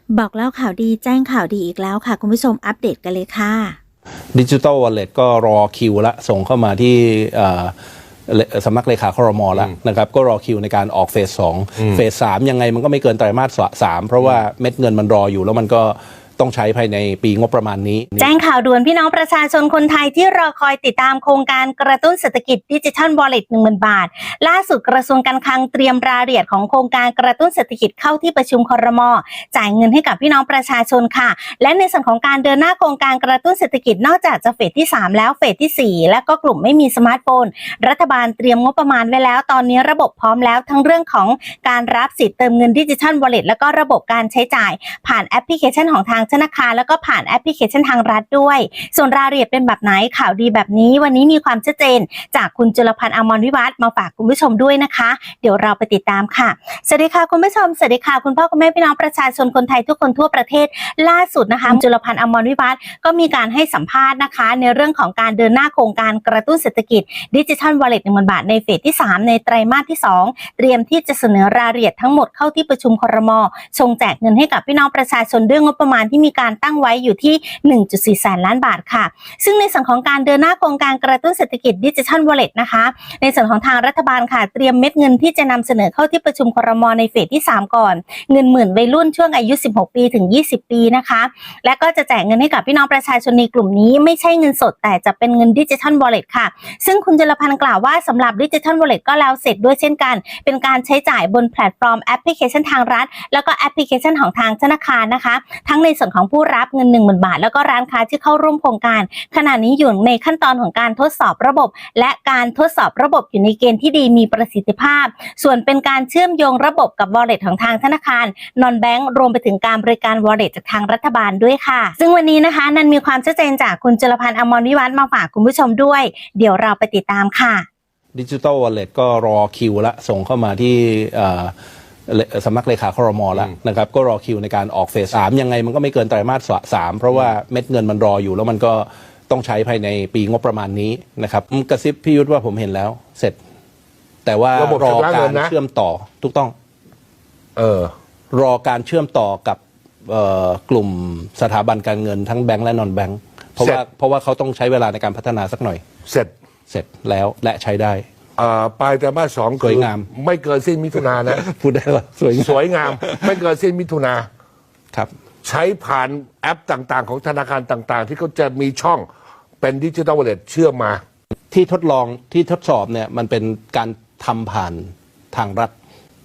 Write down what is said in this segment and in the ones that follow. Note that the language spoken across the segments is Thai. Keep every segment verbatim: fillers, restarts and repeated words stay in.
บอกเล่าข่าวดีแจ้งข่าวดีอีกแล้วค่ะคุณผู้ชมอัปเดตกันเลยค่ะดิจิทัลวอลเล็ตก็รอคิวละส่งเข้ามาที่สำนักเลขาครม.แล้วนะครับก็รอคิวในการออกเฟสสองเฟสสามยังไงมันก็ไม่เกินไตรมาสสามเพราะว่าเม็ดเงินมันรออยู่แล้วมันก็ต้องใช้ภายในปีงบประมาณนี้แจ้งข่าวด่วนพี่น้องประชาชนคนไทยที่รอคอยติดตามโครงการกระตุ้นเศรษฐกิจดิจิทัลวอลเล็ต หนึ่งหมื่น บาทล่าสุดกระทรวงการคลังเตรียมรายละเอียดของโครงการกระตุ้นเศรษฐกิจเข้าที่ประชุมครม.จ่ายเงินให้กับพี่น้องประชาชนค่ะและในส่วนของการเดินหน้าโครงการกระตุ้นเศรษฐกิจนอกจากจะเฟสที่สามแล้วเฟสที่สี่และก็กลุ่มไม่มีสมาร์ทโฟนรัฐบาลเตรียมงบประมาณไว้แล้วตอนนี้ระบบพร้อมแล้วทั้งเรื่องของการรับสิทธิ์เติมเงินดิจิทัลวอลเล็ตแล้วก็ระบบการใช้จ่ายผ่านแอปพลิเคชันของทางธนาคารแล้วก็ผ่านแอปพลิเคชันทางรัฐด้วยส่วนรายละเอียดเป็นแบบไหนข่าวดีแบบนี้วันนี้มีความชัดเจนจากคุณจุลพันธ์ อมรวิวัฒน์มาฝากคุณผู้ชมด้วยนะคะเดี๋ยวเราไปติดตามค่ะสวัสดีค่ะคุณผู้ชมสวัสดีค่ะคุณพ่อคุณแม่พี่น้องประชาชนคนไทยทุกคนทั่วประเทศล่าสุดนะคะจุลพันธ์ อมรวิวัฒน์ก็มีการให้สัมภาษณ์นะคะในเรื่องของการเดินหน้าโครงการกระตุ้นเศรษฐกิจดิจิทัลวอลเล็ต หนึ่งหมื่น บาทในเฟสที่สามในไตรมาสที่สองเตรียมที่จะเสนอรายละเอียดทั้งหมดเข้าที่ประชุมครม.ชงแจกเงินให้กับพี่น้องประชาชนด้วยงบประมาณที่มีการตั้งไว้อยู่ที่ หนึ่งจุดสี่ แสนล้านบาทค่ะซึ่งในส่วนของการเดินหน้าโครงการกระตุ้นเศรษฐกิจดิจิทัลวอลเล็ตนะคะในส่วนของทางรัฐบาลค่ะเตรียมเม็ดเงินที่จะนำเสนอเข้าที่ประชุมครม.ในเฟสที่สามก่อนเงินหมื่นวัยรุ่นช่วงอายุสิบหกปีถึงยี่สิบปีนะคะและก็จะแจกเงินให้กับพี่น้องประชาชนในกลุ่มนี้ไม่ใช่เงินสดแต่จะเป็นเงินดิจิทัลวอลเล็ตค่ะซึ่งคุณจุลพันธ์กล่าวว่าสำหรับดิจิทัลวอลเล็ตก็แล้วเสร็จด้วยเช่นกันเป็นการใช้จ่ายบนแพลตฟอร์มแอปพลิเคชันทางรัฐแล้วก็แอปพลิเคชันของทางธนาคารนะคะทั้งในส่วนของผู้รับเงิน หนึ่งหมื่น บาทแล้วก็ร้านค้าที่เข้าร่วมโครงการขณะนี้อยู่ในขั้นตอนของการทดสอบระบบและการทดสอบระบบอยู่ในเกณฑ์ที่ดีมีประสิทธิภาพส่วนเป็นการเชื่อมโยงระบบกับ Wallet ของทางธนาคารนอนแบงก์รวมไปถึงการบริการ Wallet จากทางรัฐบาลด้วยค่ะซึ่งวันนี้นะคะนันมีความชัดเจนจากคุณจุลพันธ์ อมรวิวัฒน์มาฝากคุณผู้ชมด้วยเดี๋ยวเราไปติดตามค่ะดิจิทัลวอลเล็ตก็รอคิวละส่งเข้ามาที่สำนักเลขาครม.แล้วนะครับก็รอคิวในการออกเฟสสามยังไงมันก็ไม่เกินไตรมาสสามเพราะว่าเม็ดเงินมันรออยู่แล้วมันก็ต้องใช้ภายในปีงบประมาณนี้นะครับกระซิบพี่ยุทธว่าผมเห็นแล้วเสร็จแต่ว่ารอการเชื่อมต่อถูกต้องเออรอการเชื่อมต่อกับกลุ่มสถาบันการเงินทั้งแบงก์และนอนแบงก์เพราะว่าเพราะว่าเขาต้องใช้เวลาในการพัฒนาสักหน่อยเสร็จเสร็จแล้วและใช้ได้ปลายไตรมาสสองสวยงามไม่เกินสิ้นมิถุนายนนะพูดได้ว่าสวยสวยงามไม่เกินสิ้นมิถุนาครับใช้ผ่านแอปต่างๆของธนาคารต่างๆที่เขาจะมีช่องเป็นดิจิทัลวอลเล็ตเชื่อมมาที่ทดลองที่ทดสอบเนี่ยมันเป็นการทำผ่านทางรัฐ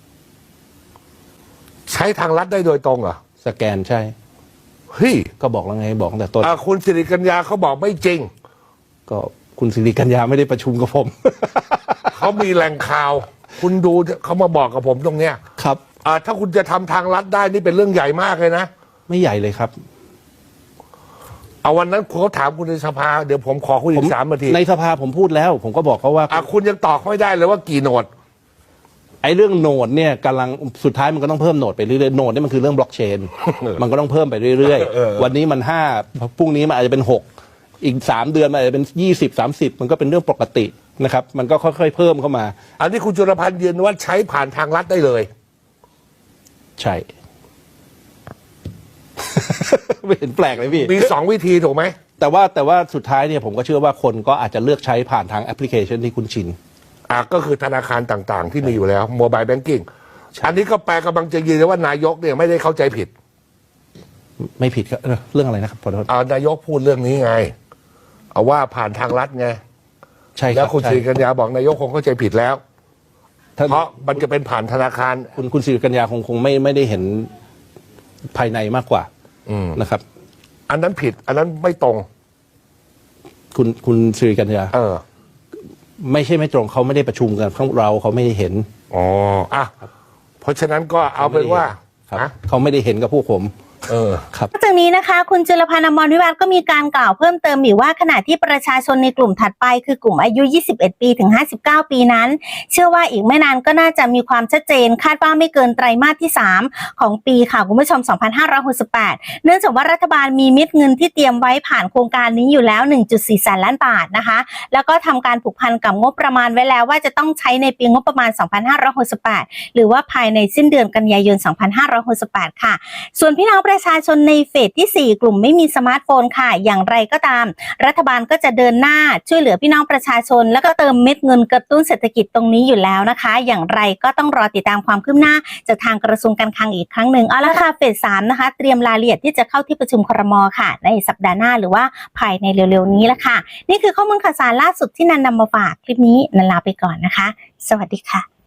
ใช้ทางรัฐได้โดยตรงเหรอสแกนใช่เฮ้ยก็บอกแล้วไงบอกตั้งแต่ต้นคุณสิริกัญญาเขาบอกไม่จริงก็คุณสิริกัญญาไม่ได้ประชุมกับผมเขามีแหล่งข่าวคุณดูเขามาบอกกับผมตรงเนี้ยครับถ้าคุณจะทำทางรัฐได้นี่เป็นเรื่องใหญ่มากเลยนะไม่ใหญ่เลยครับเอาวันนั้นเขาถามคุณในสภาเดี๋ยวผมขอคุยอีกสามนาทีในสภาผมพูดแล้วผมก็บอกเขาว่าคุณยังตอบไม่ได้เลยว่ากี่โหนดไอ้เรื่องโหนดเนี่ยกำลังสุดท้ายมันก็ต้องเพิ่มโหนดไปเรื่อยๆโหนดนี่มันคือเรื่องบล็อกเชนมันก็ต้องเพิ่มไปเรื่อยๆวันนี้มันห้าพรุ่งนี้มันอาจจะเป็นหกอีกสามเดือนมันอาจจะเป็นยี่สิบสามสิบมันก็เป็นเรื่องปกตินะครับมันก็ค่อยๆเพิ่มเข้ามาอันนี้คุณจุลพันธ์ยืนว่าใช้ผ่านทางรัฐได้เลยใช่ไม่เห็นแปลกเลยพี่มีสองวิธีถูกไหมแต่ว่าแต่ว่าสุดท้ายเนี่ยผมก็เชื่อว่าคนก็อาจจะเลือกใช้ผ่านทางแอปพลิเคชันที่คุณชินอ่ะก็คือธนาคารต่างๆที่มีอยู่แล้วโมบายแบงกิ้งอันนี้ก็แปลกำลังจะยืนว่านายกเนี่ยไม่ได้เข้าใจผิดไม่ผิดครับเรื่องอะไรนะครับขอโทษนายกพูดเรื่องนี้ไงเอาว่าผ่านทางรัฐไงใช่แล้วคุณสิริกัญญาบอกนายกคงเข้าใจผิดแล้วเพราะมันจะเป็นผ่านธนาคารคุณคุณสิริกัญญาคงคงไม่ไม่ได้เห็นภายในมากกว่านะครับอันนั้นผิดอันนั้นไม่ตรงคุณคุณสิริกัญญาเออไม่ใช่ไม่ตรงเขาไม่ได้ประชุมกันเราเขาไม่ได้เห็นอ๋ออ่ะเพราะฉะนั้นก็เอาเป็นว่าเขาไม่ได้เห็นกับพวกผมเออครับนอกจากนี้นะคะคุณจุลพันธ์ อมรวิวัฒน์ก็มีการกล่าวเพิ่มเติมอีกว่าขณะที่ประชาชนในกลุ่มถัดไปคือกลุ่มอายุ ยี่สิบเอ็ด ปีถึง ห้าสิบเก้า ปีนั้น เชื่อว่าอีกไม่นานก็น่าจะมีความชัดเจนคาดว่าไม่เกินไตรมาสที่ สาม ของปีค่ะคุณผู้ชม สองพันห้าร้อยหกสิบแปด เนื่องจากว่ารัฐบาลมีเม็ดเงินที่เตรียมไว้ผ่านโครงการนี้อยู่แล้ว หนึ่งจุดสี่ แสนล้านบาทนะคะแล้วก็ทำการผูกพันกับงบประมาณไว้แล้วว่าจะต้องใช้ในปีงบประมาณ สองพันห้าร้อยหกสิบแปด หรือว่าภายในสิ้นเดือนกันยายน สองพันห้าร้อยหกสิบแปด ค่ะส่วนพี่น้องประชาชนในเฟสที่ สี่ กลุ่มไม่มีสมาร์ทโฟนค่ะอย่างไรก็ตามรัฐบาลก็จะเดินหน้าช่วยเหลือพี่น้องประชาชนแล้วก็เติมเม็ดเงินกระตุ้นเศรษฐกิจตรงนี้อยู่แล้วนะคะอย่างไรก็ต้องรอติดตามความคืบหน้าจากทางกระทรวงการคลังอีกครั้งหนึ่งเอาละค่ะเฟส สาม นะคะเตรียมรายละเอียดที่จะเข้าที่ประชุมครม.ค่ะในสัปดาห์หน้าหรือว่าภายในเร็วๆนี้ละค่ะนี่คือข้อมูลข่าวสารล่าสุดที่นันนำมาฝากคลิปนี้นันลาไปก่อนนะคะสวัสดีค่ะ